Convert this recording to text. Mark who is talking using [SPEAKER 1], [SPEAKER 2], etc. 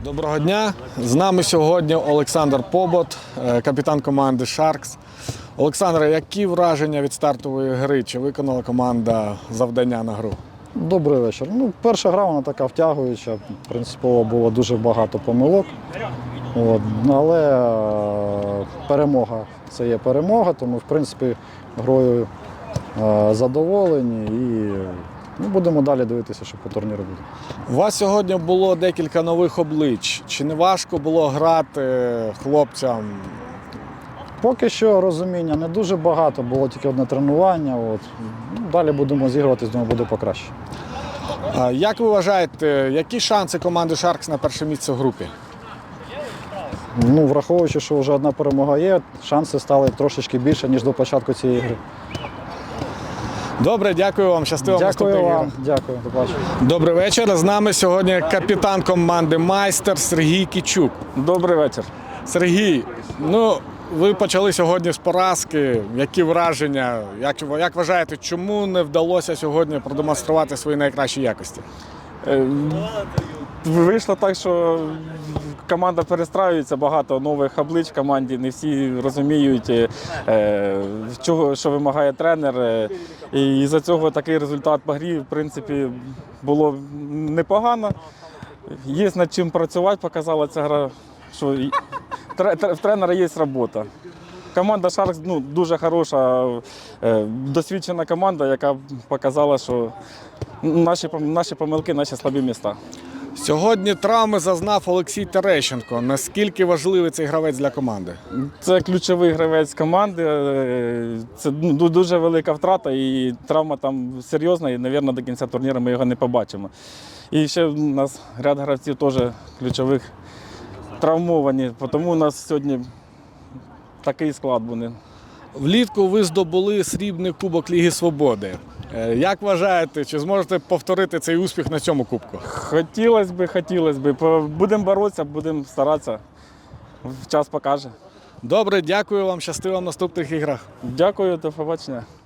[SPEAKER 1] Доброго дня! З нами сьогодні Олександр Побот, капітан команди Sharks. Олександре, які враження від стартової гри? Чи виконала команда завдання на гру?
[SPEAKER 2] Добрий вечір. Перша гра вона така втягуюча, принципово було дуже багато помилок. Але перемога – це є перемога, тому в принципі грою задоволені і будемо далі дивитися, що по турніру буде.
[SPEAKER 1] У вас сьогодні було декілька нових облич. Чи не важко було грати хлопцям?
[SPEAKER 2] Поки що розуміння не дуже багато, було тільки одне тренування. Далі будемо зігрувати, думаю, буде покраще.
[SPEAKER 1] Як ви вважаєте, які шанси команди Sharks на перше місце в групі?
[SPEAKER 2] Враховуючи, що вже одна перемога є, шанси стали трошечки більше, ніж до початку цієї гри.
[SPEAKER 1] Добре, дякую вам. Щастиво в наступних іграх.
[SPEAKER 2] Дякую вам. Дякую. До побачення.
[SPEAKER 1] Добрий вечір. З нами сьогодні капітан команди «Майстер» Сергій Кічук.
[SPEAKER 3] Добрий вечір.
[SPEAKER 1] Сергій, ви почали сьогодні з поразки. Які враження? Як вважаєте, чому не вдалося сьогодні продемонструвати свої найкращі якості?
[SPEAKER 3] Вийшло так, що команда перестраюється, багато нових облич в команді, не всі розуміють, що вимагає тренер. І за цього такий результат по грі, в принципі, було непогано. Є над чим працювати, показала ця гра, що в тренера є робота. Команда Sharks дуже хороша, досвідчена команда, яка показала, що наші помилки, наші слабі місця.
[SPEAKER 1] Сьогодні травми зазнав Олексій Терещенко. Наскільки важливий цей гравець для команди?
[SPEAKER 3] Це ключовий гравець команди, це дуже велика втрата і травма там серйозна, і, мабуть, до кінця турніру ми його не побачимо. І ще у нас ряд гравців теж ключових травмовані, тому у нас сьогодні такий склад буде.
[SPEAKER 1] Влітку ви здобули срібний кубок Ліги Свободи. Як вважаєте, чи зможете повторити цей успіх на цьому кубку?
[SPEAKER 3] Хотілося б. Будемо боротися, будемо старатися. Час покаже.
[SPEAKER 1] Добре, дякую вам, щастиво в наступних іграх.
[SPEAKER 3] Дякую, до побачення.